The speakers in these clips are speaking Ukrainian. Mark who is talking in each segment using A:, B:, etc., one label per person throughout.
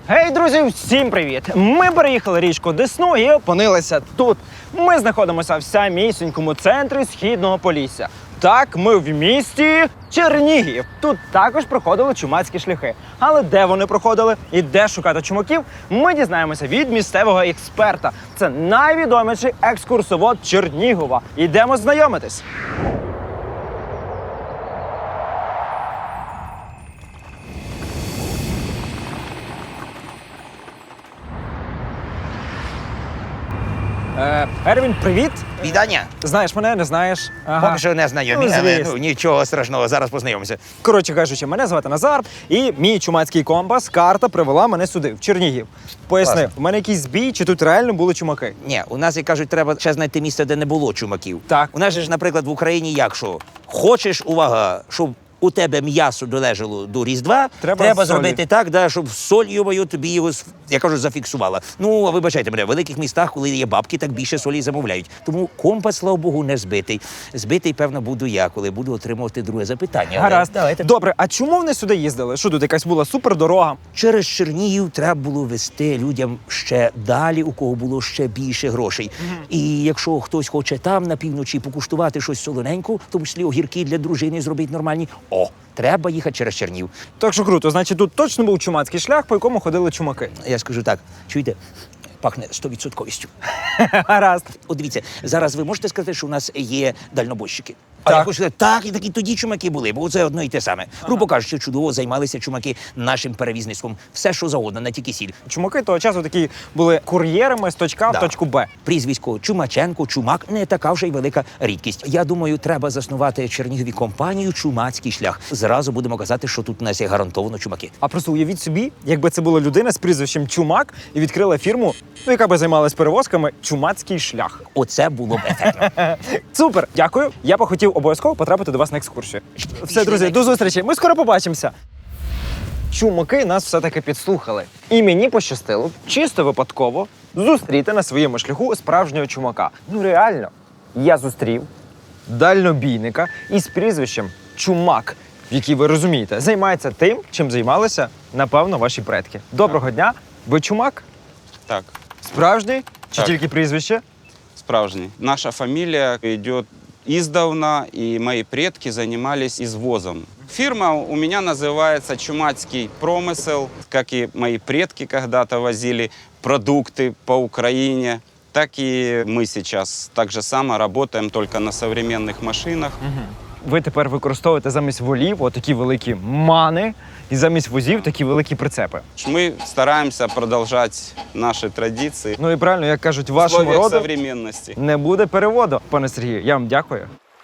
A: Гей, друзі, всім привіт! Ми переїхали річку Десну і опинилися тут. Ми знаходимося в самісінькому центрі Східного Полісся. Так, ми в місті Чернігів. Тут також проходили чумацькі шляхи. Але де вони проходили і де шукати чумаків, ми дізнаємося від місцевого експерта. Це найвідоміший екскурсовод Чернігова. Ідемо знайомитись. Ервін, привіт!
B: Вітання.
A: Знаєш мене, не знаєш? Ага.
B: Поки що не знайомі,
A: Ну,
B: але
A: звісно.
B: нічого страшного, зараз познайомимося.
A: Коротше кажучи, мене звати Назар, і мій чумацький компас, карта привела мене сюди, в Чернігів. Поясни,
B: Класно.
A: в мене якийсь збій, чи тут реально були чумаки?
B: Ні, у нас, як кажуть, треба ще знайти місце, де не було чумаків.
A: Так.
B: У нас же ж, наприклад, в Україні як що? Хочеш, увага, щоб у тебе м'ясо долежало до Різдва,
A: Треба солі.
B: зробити так, да, щоб соль, йобаю, тобі його, я кажу, зафіксувала. Ну, а вибачайте мене, в великих містах, коли є бабки, так більше солі замовляють. Тому компас, слава Богу, не збитий. Збитий, певно, буду я, коли буду отримувати друге запитання. Але
A: Гаразд.
B: давайте.
A: Добре, а чому вони сюди їздили? Що тут якась була супердорога?
B: Через Чернігів треба було везти людям ще далі, у кого було ще більше грошей. І якщо хтось хоче там на півночі покуштувати щось солоненько, в тому числі огірки для дружини зробити нормальні, треба їхати через Чернігів.
A: Так що круто, значить тут точно був чумацький шлях, по якому ходили чумаки.
B: Я скажу так, чуєте, пахне 100%.
A: Гаразд.
B: От дивіться, зараз ви можете сказати, що у нас є дальнобойщики? А
A: Так.
B: я хочу сказати, так, і такі тоді чумаки були, бо це одно і те саме. Грубо кажучи, чудово займалися чумаки нашим перевізництвом. Все, що завгодно, не тільки сіль.
A: Чумаки того часу такі були кур'єрами з точки А в
B: Да.
A: точку Б.
B: Прізвисько Чумаченко, Чумак не така вже й велика рідкість. Я думаю, треба заснувати Чернігові компанію «Чумацький шлях». Зразу будемо казати, що тут у нас є гарантовано чумаки.
A: А просто уявіть собі, якби це була людина з прізвищем Чумак і відкрила фірму, яка би займалась перевозками «Чумацький шлях».
B: Оце було б ефектно.
A: Супер, дякую. Я б хотів обов'язково потрапити до вас на екскурсію. Все, друзі, до зустрічі. Ми скоро побачимося. Чумаки нас все-таки підслухали. І мені пощастило, чисто випадково, зустріти на своєму шляху справжнього чумака. Ну реально, я зустрів дальнобійника із прізвищем Чумак, який, ви розумієте, займається тим, чим займалися, напевно, ваші предки. Доброго дня. Ви чумак?
C: Так,
A: Справжній? Чи
C: Так.
A: тільки прізвище?
C: справжній. Наша фамилия идет издавна, и мои предки занимались извозом. Фирма у меня называется «Чумацкий промысел», как и мои предки когда-то возили продукты по Украине, так и мы сейчас так же само работаем, только на современных машинах.
A: Ви тепер використовуєте замість волів отакі великі мани і замість возів такі великі прицепи.
C: Мы стараемся продолжать наши традиции
A: Ну і правильно, як кажуть,
C: в
A: вашому
C: условиях
A: роду
C: современности.
A: не буде переводу. Пане Сергію, я вам дякую.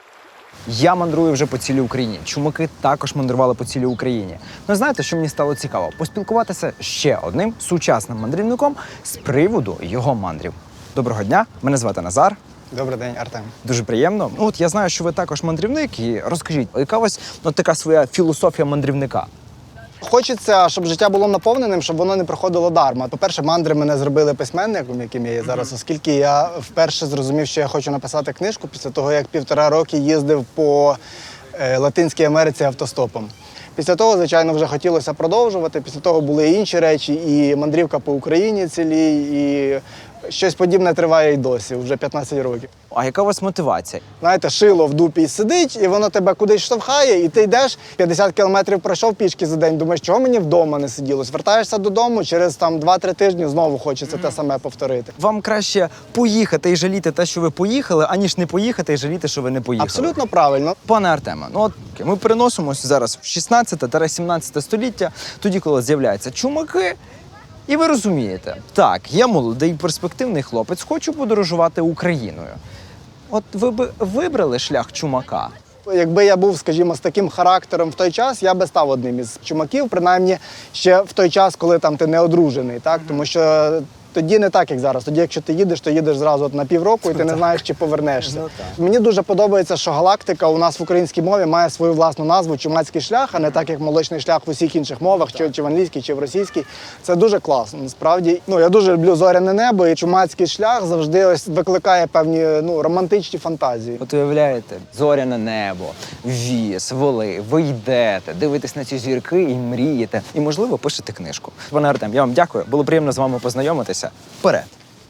A: Я мандрую вже по цілій Україні. Чумаки також мандрували по цілій Україні. Ну знаєте, що мені стало цікаво? Поспілкуватися ще одним сучасним мандрівником з приводу його мандрів. Доброго дня, мене звати Назар.
D: Добрий день, Артем.
A: Дуже приємно. Ну, от я знаю, що ви також мандрівник, і розкажіть, яка у вас така своя філософія мандрівника?
D: Хочеться, щоб життя було наповненим, щоб воно не проходило дарма. По-перше, мандри мене зробили письменником, яким я є зараз, оскільки я вперше зрозумів, що я хочу написати книжку після того, як 1,5 роки їздив по Латинській Америці автостопом. Після того, звичайно, вже хотілося продовжувати. Після того були і інші речі, і мандрівка по Україні цілій, і щось подібне триває і досі, вже 15 років.
A: А яка у вас мотивація?
D: Знаєте, шило в дупі сидить, і воно тебе кудись штовхає, і ти йдеш, 50 кілометрів пройшов пішки за день, думаєш, чого мені вдома не сиділось? Вертаєшся додому, через 2-3 тижні знову хочеться те саме повторити.
A: Вам краще поїхати і жаліти те, що ви поїхали, аніж не поїхати і жаліти, що ви не поїхали.
D: Абсолютно правильно.
A: Пане Артеме, ну от ми переносимося зараз в 16-17 століття, тоді, коли з'являються чумаки, і ви розумієте, так, я молодий, перспективний хлопець, хочу подорожувати Україною. От ви б вибрали шлях чумака?
D: Якби я був, скажімо, з таким характером в той час, я би став одним із чумаків, принаймні ще в той час, коли там ти не одружений, так? Тому що Тоді не так, як зараз. Тоді, якщо ти їдеш, то їдеш зразу на півроку, і ти не знаєш, чи повернешся. Мені дуже подобається, що галактика у нас в українській мові має свою власну назву «Чумацький шлях», а не так, як молочний шлях в усіх інших мовах, чи в англійській, чи в російській. Це дуже класно. Насправді, я дуже люблю зоряне небо, і чумацький шлях завжди ось викликає певні романтичні фантазії.
A: От уявляєте, зоряне небо, віз, воли, ви йдете, дивитесь на ці зірки і мрієте. І, можливо, пишете книжку. Пане Артем, я вам дякую. Було приємно з вами познайомитися. Вперед!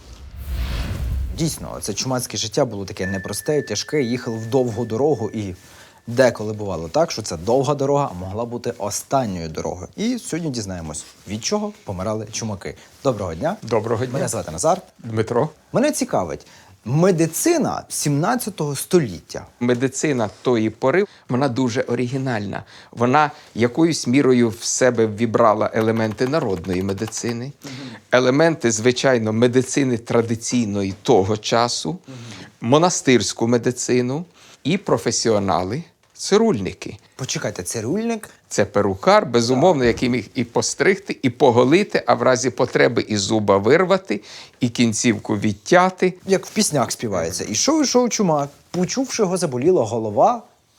A: Дійсно, це чумацьке життя було таке непросте, тяжке, їхали в довгу дорогу і деколи бувало так, що ця довга дорога могла бути останньою дорогою. І сьогодні дізнаємось, від чого помирали чумаки. Доброго дня.
E: Доброго дня.
A: Мене звати Назар.
E: Дмитро.
A: Мене цікавить медицина 17 століття.
E: Медицина тої пори, вона дуже оригінальна. Вона якоюсь мірою в себе вібрала елементи народної медицини, елементи, звичайно, медицини традиційної того часу, монастирську медицину і професіонали, цирульники.
A: Почекайте, цирюльник?
E: Це перукар, безумовно, який міг і постригти, і поголити, а в разі потреби і зуба вирвати, і кінцівку відтяти.
A: Як в піснях співається. Ішов чумак, почувши його заболіла голова,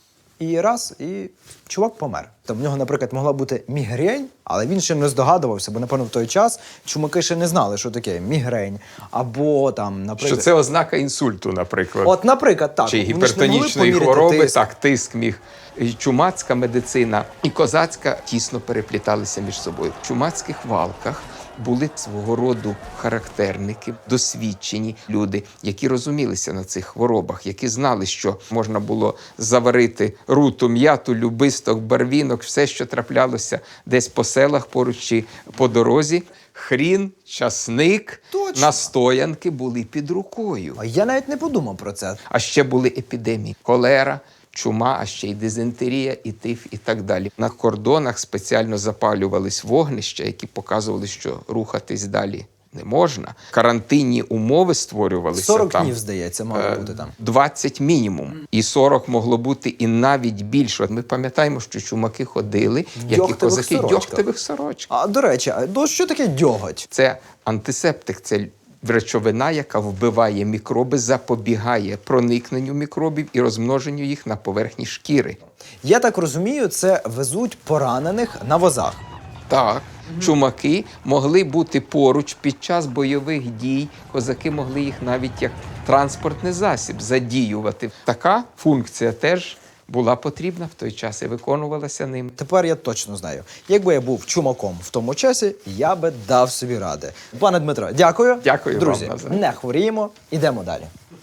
A: і раз, і чувак помер. Там в нього, наприклад, могла бути мігрень, але він ще не здогадувався, бо, напевно, в той час чумаки ще не знали, що таке мігрень. Або там, наприклад...
E: Що це ознака інсульту, наприклад.
A: От, наприклад, так.
E: Чи
A: Вони ж не могли
E: гіпертонічної
A: поміряти
E: хвороби,
A: тиск.
E: так, тиск міг. І чумацька медицина і козацька тісно перепліталися між собою. В чумацьких валках були свого роду характерники, досвідчені люди, які розумілися на цих хворобах, які знали, що можна було заварити руту, м'яту, любисток, барвінок, все, що траплялося десь по селах поруч чи по дорозі. Хрін, часник,
A: Точно.
E: настоянки були під рукою.
A: А я навіть не подумав про це.
E: А ще були епідемії: холера, чума, а ще й дизентерія, і тиф, і так далі. На кордонах спеціально запалювались вогнища, які показували, що рухатись далі не можна. Карантинні умови створювалися
A: 40
E: там.
A: днів, здається, мало бути там.
E: 20 мінімум. І 40 могло бути і навіть більше. От ми пам'ятаємо, що чумаки ходили, як і
A: дьогтевих
E: козаки, в
A: сорочках.
E: дьогтевих сорочках.
A: А, до речі, що таке дьоготь?
E: Це антисептик, це речовина, яка вбиває мікроби, запобігає проникненню мікробів і розмноженню їх на поверхні шкіри.
A: Я так розумію, це везуть поранених на возах.
E: Так, чумаки могли бути поруч під час бойових дій, козаки могли їх навіть як транспортний засіб задіювати. Така функція теж була потрібна в той час і виконувалася ним.
A: Тепер я точно знаю. Якби я був чумаком в тому часі, я би дав собі ради. Пане Дмитро, дякую.
E: Дякую вам,
A: Друзі,
E: Назар.
A: не хворіємо, ідемо далі.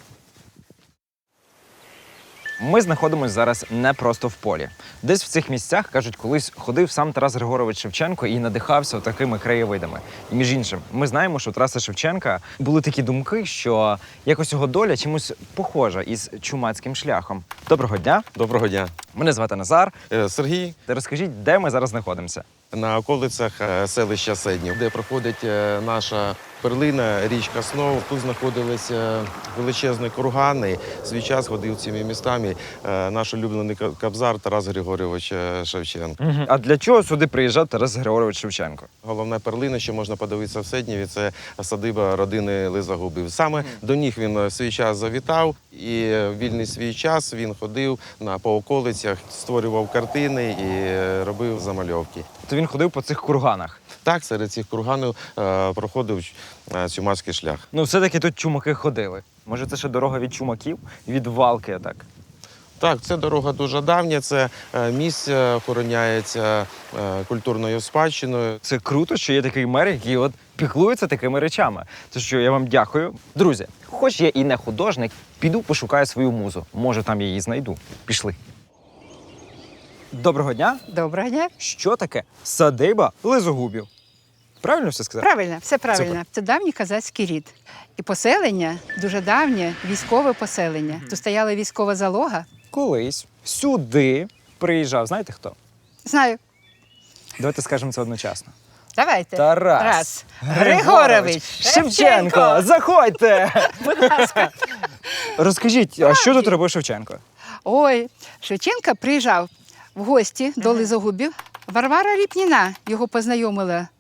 A: Ми знаходимося зараз не просто в полі. Десь в цих місцях, кажуть, колись ходив сам Тарас Григорович Шевченко і надихався такими краєвидами. І між іншим, ми знаємо, що у Тараса Шевченка були такі думки, що якось його доля чимось похожа із чумацьким шляхом. Доброго дня.
F: Доброго дня.
A: Мене звати Назар.
F: Сергій,
A: Розкажіть, де ми зараз знаходимося?
F: на околицях селища Седнів, де проходить наша перлина, річка Снов. Тут знаходилися величезні кургани. В свій час ходив цими містами наш улюблений кобзар Тарас Григорович Шевченко.
A: А для чого сюди приїжджав Тарас Григорович Шевченко?
F: Головна перлина, що можна подивитися в Седніві, це садиба родини Лизагубів. Саме до них він в свій час завітав, і в вільний свій час він ходив по околицях, створював картини і робив замальовки.
A: То він ходив по цих курганах.
F: Так, серед цих курганів проходив чумацький шлях.
A: Ну, все-таки тут чумаки ходили. Може, це ще дорога від чумаків? Від Валки, так?
F: Так, це дорога дуже давня, це місце охороняється культурною спадщиною.
A: Це круто, що є такий мер, який от піклується такими речами. То що я вам дякую. Друзі, хоч я і не художник, піду пошукаю свою музу. Може, там я її знайду. Пішли. Доброго дня.
G: Доброго дня.
A: Що таке садиба Лизогубів? Правильно все сказав?
G: Правильно, все правильно.
A: Супер.
G: Це давній козацький рід. І поселення дуже давнє, військове поселення. Тут стояла військова залога.
A: Колись сюди приїжджав, знаєте хто?
G: Знаю.
A: Давайте скажемо це одночасно.
G: Давайте.
A: Тарас
G: Григорович
A: Шевченко! Заходьте!
G: Будь ласка.
A: Розкажіть, а що тут робив Шевченко?
G: Ой, Шевченко приїжджав в гості до Лизогубів. Варвара Ріпніна його познайомила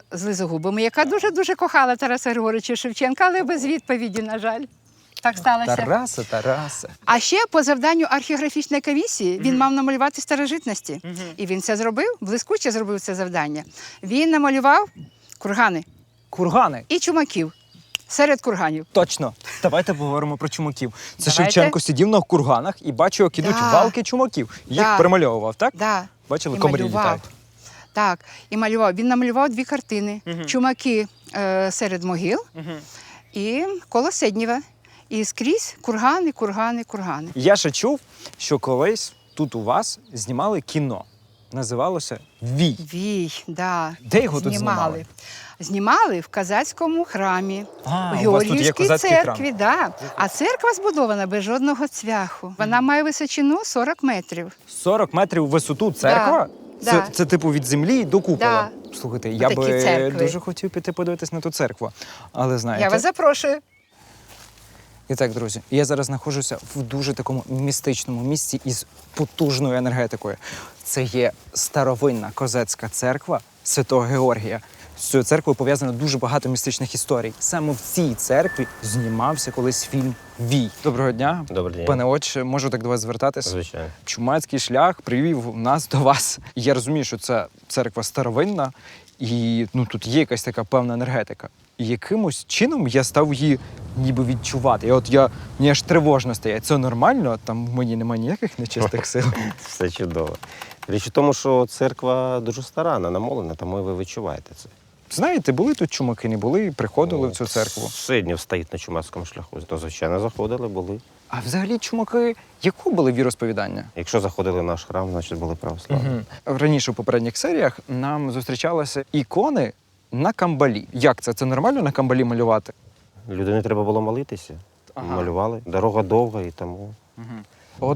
G: з Лизогубами, яка дуже-дуже кохала Тараса Григоровича Шевченка, але без відповіді, на жаль. Так сталося.
A: Тарасе.
G: А ще по завданню археографічної комісії він мав намалювати старожитності. І він це зробив, блискуче зробив це завдання. Він намалював кургани
A: Кургани.
G: і чумаків серед курганів.
A: Точно. Давайте поговоримо про чумаків. Це
G: Давайте.
A: Шевченко сидів на курганах і бачив, як ідуть
G: Да.
A: валки чумаків. Їх
G: Да.
A: перемальовував, так?
G: Да.
A: Бачили,
G: І
A: комарі
G: малював.
A: літають.
G: Так, і малював. Він намалював 2 картини. Чумаки серед могил і коло Седнєва. І скрізь кургани, кургани, кургани.
A: Я ще чув, що колись тут у вас знімали кіно. Називалося «Вій».
G: Вій, да.
A: Де його тут знімали?
G: Знімали в Казацькому храмі,
A: А,
G: в
A: у вас тут є
G: Георгіївській
A: козацький
G: церкві. Да. А церква збудована без жодного цвяху. Вона має височину 40 метрів.
A: 40 метрів в висоту церква?
G: Да.
A: Це, це типу від землі до купола. Слухайте, я
G: Отакі
A: би
G: церкви.
A: дуже хотів піти подивитись на ту церкву. Але знаєте...
G: Я вас запрошую.
A: І так, друзі, я зараз знаходжуся в дуже такому містичному місці із потужною енергетикою. Це є старовинна козацька церква Святого Георгія. З цією церквою пов'язано дуже багато містичних історій. Саме в цій церкві знімався колись фільм «Вій». Доброго дня.
H: Добрий день.
A: Пане отче, можу так до вас звертатись?
H: Звичайно.
A: Чумацький шлях привів нас до вас. І я розумію, що це церква старовинна, і тут є якась така певна енергетика. І якимось чином я став її ніби відчувати. І мені аж тривожно стає. Це нормально? Там в мені немає ніяких нечистих сил.
H: Все чудово. Річ у тому, що церква дуже стара, намолена, тому ви відчуваєте це.
A: Знаєте, були тут чумаки, не були, приходили в цю церкву.
H: Сиднів стоїть на Чумацькому шляху. То, звичайно, заходили, були.
A: А взагалі чумаки якого були віросповідання?
H: Якщо заходили в наш храм, значить були православні.
A: Раніше в попередніх серіях нам зустрічалися ікони на камбалі. Як це? Це нормально на камбалі малювати?
H: Людині треба було молитися.
A: Ага.
H: Малювали. Дорога довга і тому.
A: От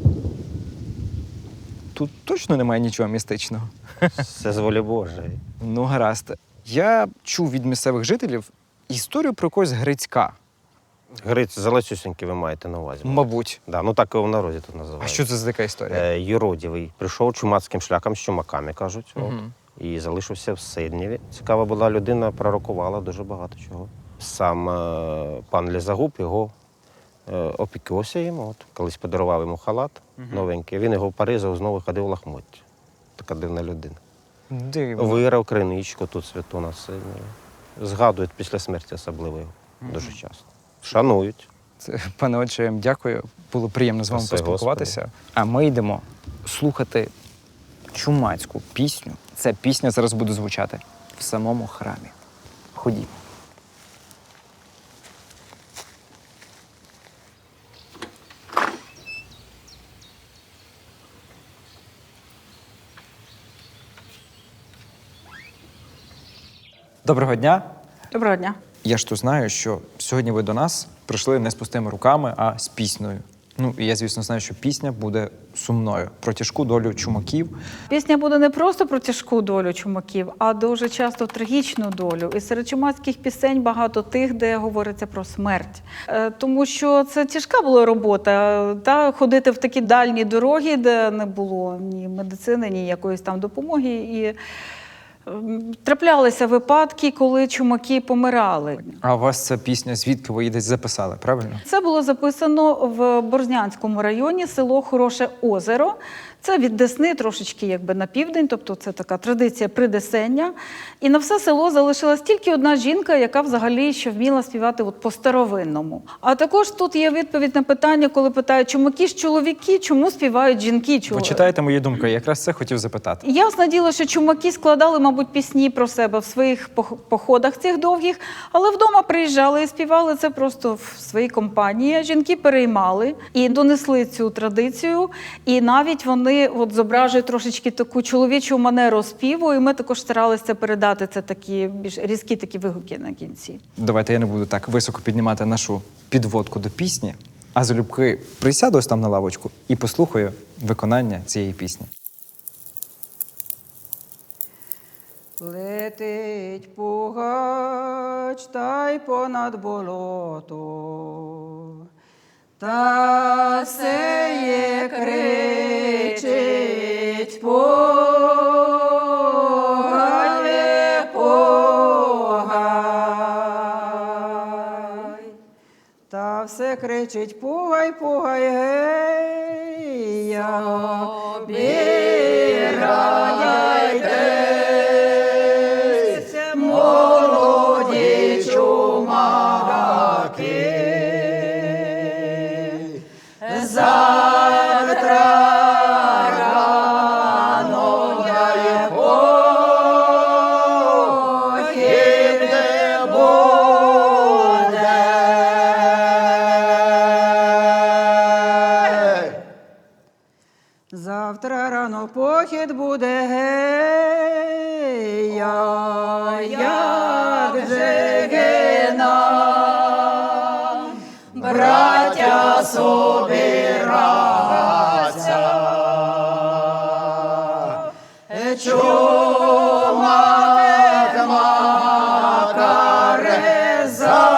A: тут точно немає нічого містичного.
H: Це з волі Божої.
A: Ну, гаразд. Я чув від місцевих жителів історію про якогось Грицька.
H: Гриць залесюсінький ви маєте на увазі.
A: Мабуть.
H: Да, так його в народі тут називають.
A: А що це за така історія?
H: Юродівий. Прийшов чумацьким шляхом з чумаками, кажуть. І залишився в Сиднєві. Цікава була людина, пророкувала дуже багато чого. Сам пан Лізагуб його опікувався йому. Колись подарував йому халат новенький. Він його поризав, знову ходив в лахмотті. Така дивна людина.
A: Дивно.
H: Вирав криничку тут святу на Сиднєві. Згадують після смерті особливо його дуже часто. Шанують.
A: Це, пане отче, я вам дякую. Було приємно з вами
H: Спаси
A: поспілкуватися. А ми йдемо слухати чумацьку пісню. Ця пісня зараз буде звучати в самому храмі. Ходімо. Доброго дня.
I: Доброго дня.
A: Я ж то знаю, що сьогодні ви до нас прийшли не з пустими руками, а з піснею. Ну, і я, звісно, знаю, що пісня буде сумною про тяжку долю чумаків.
I: Пісня буде не просто про тяжку долю чумаків, а дуже часто трагічну долю. І серед чумацьких пісень багато тих, де говориться про смерть. Тому що це тяжка була робота, ходити в такі дальні дороги, де не було ні медицини, ні якоїсь там допомоги. І траплялися випадки, коли чумаки помирали.
A: А у вас ця пісня, звідки ви її десь записали, правильно?
I: Це було записано в Борзнянському районі, село Хороше Озеро. Це від Десни трошечки якби на південь, тобто це така традиція придесення. І на все село залишилась тільки одна жінка, яка взагалі ще вміла співати от по-старовинному. А також тут є відповідь на питання, коли питають, чумаки ж чоловіки, чому співають жінки?
A: Ви читаєте мою думку, я якраз це хотів запитати.
I: Ясне діло, що чумаки складали, мабуть, пісні про себе в своїх походах цих довгих, але вдома приїжджали і співали це просто в своїй компанії. Жінки переймали і донесли цю традицію, і навіть вони зображують трошечки таку чоловічу манеру співу, і ми також старалися це передати, це такі більш різкі такі вигуки на кінці.
A: Давайте я не буду так високо піднімати нашу підводку до пісні, а залюбки присяду ось там на лавочку і послухаю виконання цієї пісні.
J: Летить пугач та й понад болото, та сеє кричить погаве, се кричить пугай, пугай, гей, я обіряйте, молоді чумаки. Завтра рано я похід не буде. Завтра рано похід буде, гей, як же гина, браття собираться, чумак макаре за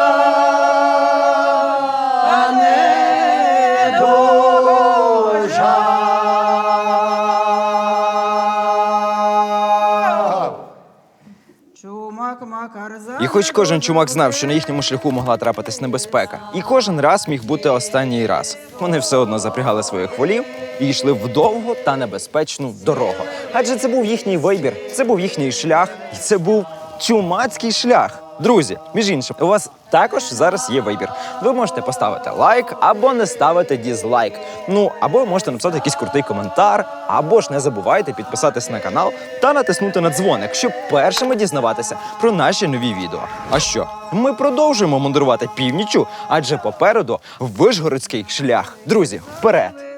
J: чумак макар за.
A: І хоч кожен чумак знав, що на їхньому шляху могла трапитись небезпека, і кожен раз міг бути останній раз. Вони все одно запрягали своїх волів і йшли в довгу та небезпечну дорогу. Адже це був їхній вибір, це був їхній шлях, і це був чумацький шлях. Друзі, між іншим, у вас також зараз є вибір. Ви можете поставити лайк або не ставити дізлайк. Ну, або можете написати якийсь крутий коментар, або ж не забувайте підписатись на канал та натиснути на дзвоник, щоб першими дізнаватися про наші нові відео. А що? Ми продовжуємо мандрувати північчю, адже попереду Вишгородський шлях. Друзі, вперед!